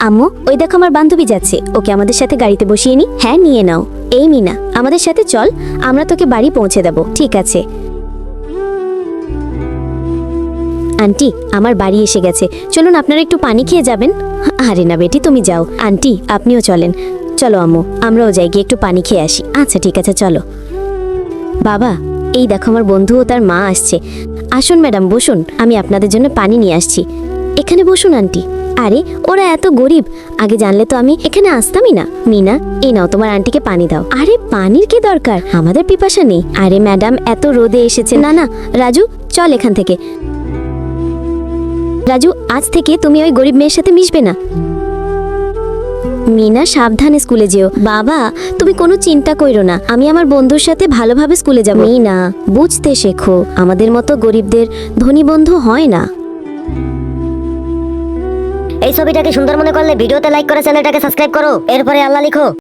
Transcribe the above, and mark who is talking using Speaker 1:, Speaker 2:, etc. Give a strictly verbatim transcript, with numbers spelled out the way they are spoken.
Speaker 1: আম্মু, ওই দেখো আমার বান্ধবী যাচ্ছে, ওকে আমাদের সাথে গাড়িতে বসিয়ে নি। হ্যাঁ, নিয়ে নাও। এই মিনা, আমাদের সাথে চল, আমরা তোকে বাড়ি পৌঁছে দেবো। ঠিক আছে আন্টি, আমার বাড়ি এসে গেছে, চলুন আপনারা একটু পানি খেয়ে যাবেন। আরে না বেটি, তুমি যাও। আন্টি, আপনিও চলেন। চলো আম্মু, আমরাও যাই, গিয়ে একটু পানি খেয়ে আসি। আচ্ছা ঠিক আছে, চলো। বাবা, এই দেখো আমার বন্ধু ও তার মা আসছে। আসুন ম্যাডাম, বসুন, আমি আপনাদের জন্য পানি নিয়ে আসছি। এখানে বসুন আন্টি। আরে ওরা এত গরিব, আগে জানলে তো আমি এখানে আসতামই না। মিনা, এই নাও, তোমার আন্টিকে পানি দাও। আরে পানির কি দরকার, আমাদের পিপাসা নেই। আরে ম্যাডাম, এত রোদে এসেছে। না না রাজু, চল এখান থেকে। রাজু, আজ থেকে তুমি ওই গরিব মেয়ের সাথে মিশবে না। মিনা, সাবধানে স্কুলে যেও। বাবা, তুমি কোনো চিন্তা কইরো না, আমি আমার বন্ধুর সাথে ভালোভাবে স্কুলে যাব। মিনা, বুঝতে শেখো, আমাদের মতো গরিবদের ধনী বন্ধু হয় না।
Speaker 2: এই ছবিটাকে সুন্দর মনে করলে ভিডিওতে লাইক করে চ্যানেলটাকে সাবস্ক্রাইব করো, এরপরে আল্লাহ লিখো।